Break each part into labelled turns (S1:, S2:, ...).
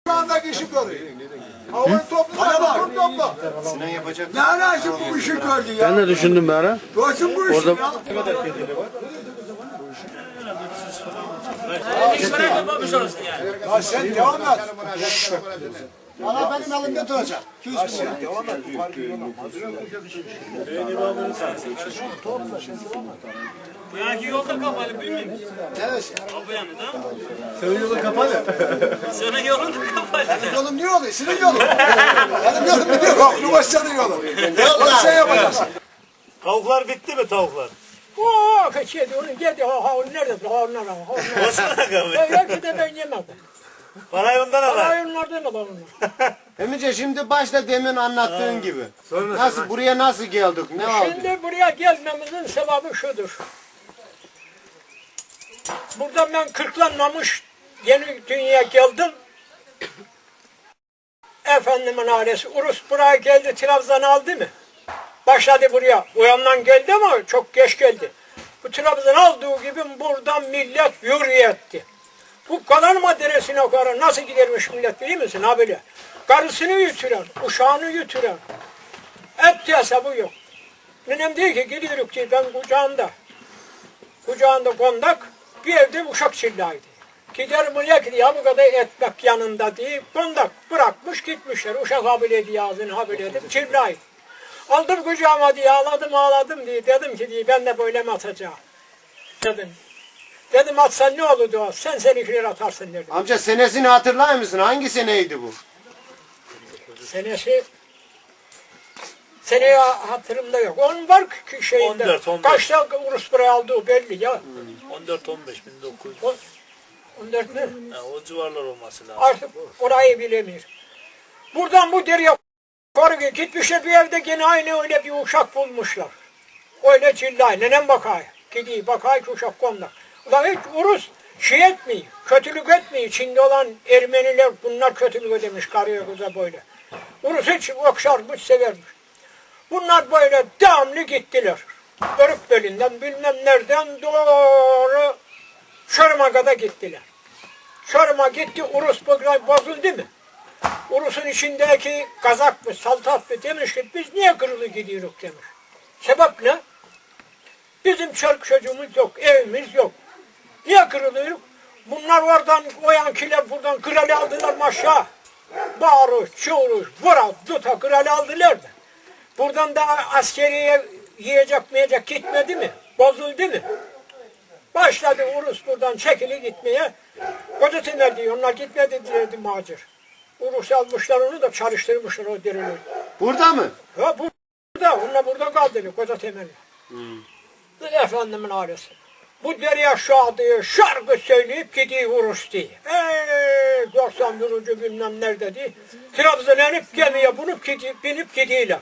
S1: Andaki işi görüyor. Havayı topla.
S2: Sinan yapacak.
S1: Ne alakası bu işi gördü ya?
S3: Ben de düşündüm bir ara.
S1: Görsün bu işi
S3: Orada-
S1: ya.
S4: Ne kadar kedili var? Hiç merak etmemiş olursun yani.
S1: Ya sen devam et.
S2: Valla benim elimde duracak. 200 bin lira.
S1: Devam et.
S4: Bu yanki yolda kapalı bilmiyorum.
S2: Evet.
S4: Bu yanı da.
S1: Senin yolu kapalı.
S4: Senin yolun da kapalı.
S2: Yolum niye oluyor? Senin yolun. Benim yolum ne diyor?
S1: Yok, Numaşcan'ın yolu. Bak şey yapacağız.
S4: Tavuklar bitti mi tavuklar?
S5: Oo, kaçıydı onu yedi. Ha nerede? Onlar.
S4: Osman Aga be.
S5: Belki de ben yemedim.
S4: Parayı ondan al.
S5: Parayı onlardan alalım.
S2: Emice şimdi başta demin anlattığın gibi. Nasıl buraya nasıl geldik? Ne oldu?
S5: Şimdi buraya gelmemizin sebabı şudur. Buradan ben kırklanmamış yeni dünyaya geldim. Efendimin ailesi Urus buraya geldi, Trabzon'u aldı mı? Başladı buraya. O yandan geldi ama çok geç geldi. Bu Trabzon aldığı gibi buradan millet yürüye etti. Bu Kalanma Deresi'ne kadar nasıl gidermiş millet biliyor musun? Ha böyle. Karısını yuturan, uşağını yuturan. Hepsi hesabı yok. Nenem diyor ki gidiyoruz ki ben kucağında kondak bir evde uşak çillaydı. Gider millet diye bu kadar etmek yanında diye kondak bırakmış gitmişler. Uşak habiledi ağzını habiledi çillaydı. Aldım kucağıma diye ağladım diye dedim ki diye ben de böyle mi atacağım? Dedim atsan ne olur diyor. Sen seninkileri atarsın dedim.
S2: Amca senesini hatırlar mısın? Hangi seneydi bu?
S5: Seneye hatırımda yok. Onun var ki şeyinde.
S4: 14.
S5: Kaçta Urus buraya aldığı belli ya.
S4: 14-15 1900.
S5: 14 mi?
S4: O civarlar olması lazım.
S5: Artık orayı bilemiyor. Buradan bu dereye koru gitmişler bir evde gene aynı öyle bir uşak bulmuşlar. Öyle çillay. Nenem bakay. Gidiyor bakay ki uşak kondak. Ulan hiç Urus şey etmiyor. Kötülük etmiyor. İçinde olan Ermeniler bunlar kötülük ödemiş karıya kıza böyle. Urus hiç okşarmış severmiş. Bunlar böyle devamlı gittiler. Börük belinden bilmem nereden doğru Çorum'a kadar gittiler. Çorum'a gitti Urus bozuldu mu? Urus'un içindeki kazak mı saltat mı demiş ki biz niye kırılı gidiyoruz demiş. Sebep ne? Bizim çoluk çocuğumuz yok, evimiz yok. Niye kırılıyoruz? Bunlar oradan o yankiler buradan kralı aldılar aşağı. Bağırış, çığırış, vura, tuta kralı aldılar da. Buradan da askeriye yiyecek gitmedi mi? Bozuldu mu? Başladı Urus buradan çekili gitmeye. Kocatener diyor, onlar gitmedi diyordu macir. Urus almışlar onu da çalıştırmışlar o derileri.
S2: Burada mı?
S5: Ha burada, onlar burada kaldı Kocatener'le. Efendimin ailesi. Bu dereye şu diye şarkı söyleyip gidiyor Urus diye. 91. bilmem nerede diye. Trabzon'a inip gemiye binip gidiyorlar.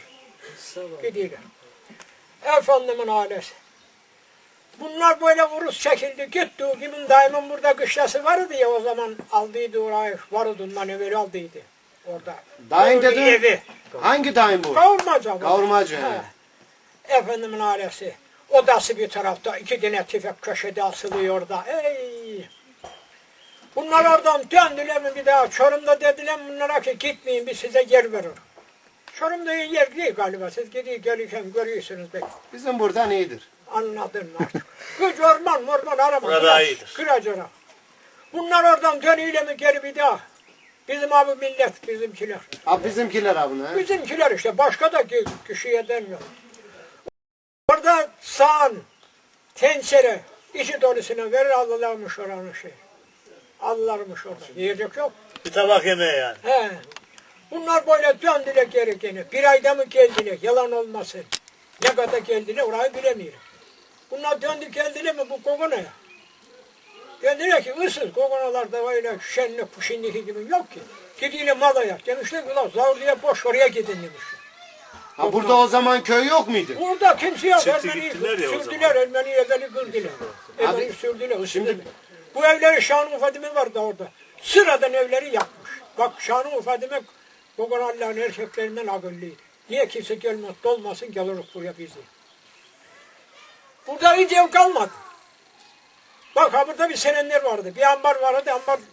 S5: Efendimin ailesi. Bunlar böyle Urus çekildi gitti. O kimin daimin burada kışlası vardı ya o zaman aldıydı orayı. Vardı ondan evvel aldıydı. Orada.
S2: Dayın
S5: Orada
S2: dedin.
S5: evi.
S2: Hangi dayın bu?
S5: Kavurmaca.
S2: Kavurmacı.
S5: He. Efendimin ailesi. Odası bir tarafta. 2 tane tüfek köşede asılıyor orada. Ey! Bunlar oradan döndüler mi bir daha? Çorum'da dediler bunlara ki gitmeyin biz size yer verir. Çorum'da yer değil galiba. Siz gelirken görüyorsunuz belki.
S2: Bizim buradan iyidir.
S5: Anladın artık. Güç orman arama.
S4: Burada iyidir.
S5: Kıracıra. Bunlar oradan dönüyle mi geri bir daha? Bizim abi millet bizimkiler.
S2: Ha bizimkiler abi ne?
S5: Bizimkiler işte başka da kişiye demiyor. Orada sağan, tencere, içi dolusuna verir alırlarmış oranın şey. Alırlarmış orada. Yiyecek yok.
S4: Bir tabak yemeği yani.
S5: He. Bunlar böyle döndüler geri gene. Bir ayda mı geldiler? Yalan olmasın. Ne kadar geldiler orayı bilemiyorum. Bunlar döndü geldiler mi bu Kogona'ya? Dediler ki ıssız Kogonalarda öyle şenlik şimdiki gibi yok ki. Gidiyle malaya. Demişler ki ulan Zavurlu'ya boş oraya gidin demişler.
S2: Ha burada o zaman köy yok muydu?
S5: Burada kimse yok.
S4: Çıktı
S5: Ermeni'yi
S4: gittiler ya o
S5: sürdüler. Ermeni'yi evveli kırdılar. Evveli sürdüler. Şimdi bu evleri Şanlı Fadime vardı orada. Sıradan evleri yapmış. Bak Şanlı Fadime Kogonalıların erkeklerinden akıllıydı. Niye kimse gelmez, dolmasın geliriz buraya bizi. Burada hiç ev kalmadı. Bak ha burada bir senenler vardı. Bir ambar vardı. Ambar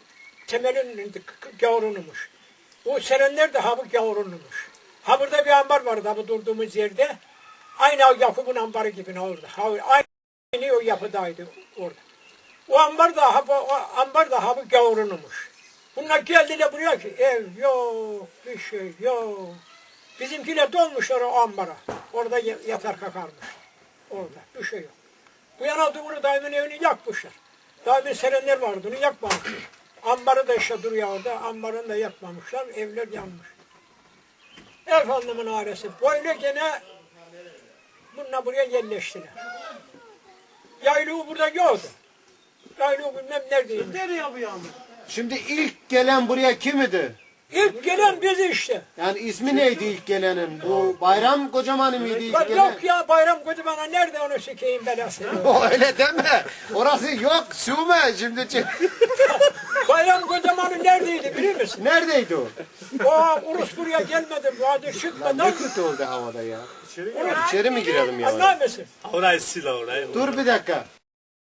S5: temelin gavurunumuş. O serenler de ha bu gavurunumuş. Ha burada bir ambar vardı ha bu durduğumuz yerde. Aynı Yakup'un ambarı gibi orada. Aynı o yapıdaydı orada. O ambar da ha bu gavurunumuş. Bunlar geldiler buraya ki ev yok, bir şey yok. Bizimkiler dolmuşlar o ambara. Orada yatar kakarmış. Orada bir şey yok. Bu yana doğru daimin evini yakmışlar. Daimin serenler vardı onu yakmamışlar. Ambarı da işte duruyor orada. Ambarını da yakmamışlar. Evler yanmış. Efendimin ailesi böyle gene bununla buraya yerleştiler. Yaylığı burada yoktu. Yaylığı bilmem neredeymiş.
S2: Şimdi ilk gelen buraya kim idi?
S5: İlk gelen biz işte.
S2: Yani ismi neydi ilk gelenin? Bu Bayram Kocaman mıydı ilk
S5: Bak
S2: gelen?
S5: yok ya Bayram Kocaman'a nerede onu sikeyim belasını.
S2: O öyle deme. Orası yok. Süme şimdi.
S5: Bayram Kocaman'ı neredeydi biliyor musun?
S2: Neredeydi o?
S5: O Urus buraya gelmedi. Bu adı çıkmadan.
S2: Ne kötü oldu havada ya. İçeri mi girelim ya?
S5: Anlar mısın?
S4: Orayı sil orayı.
S2: Dur bir dakika.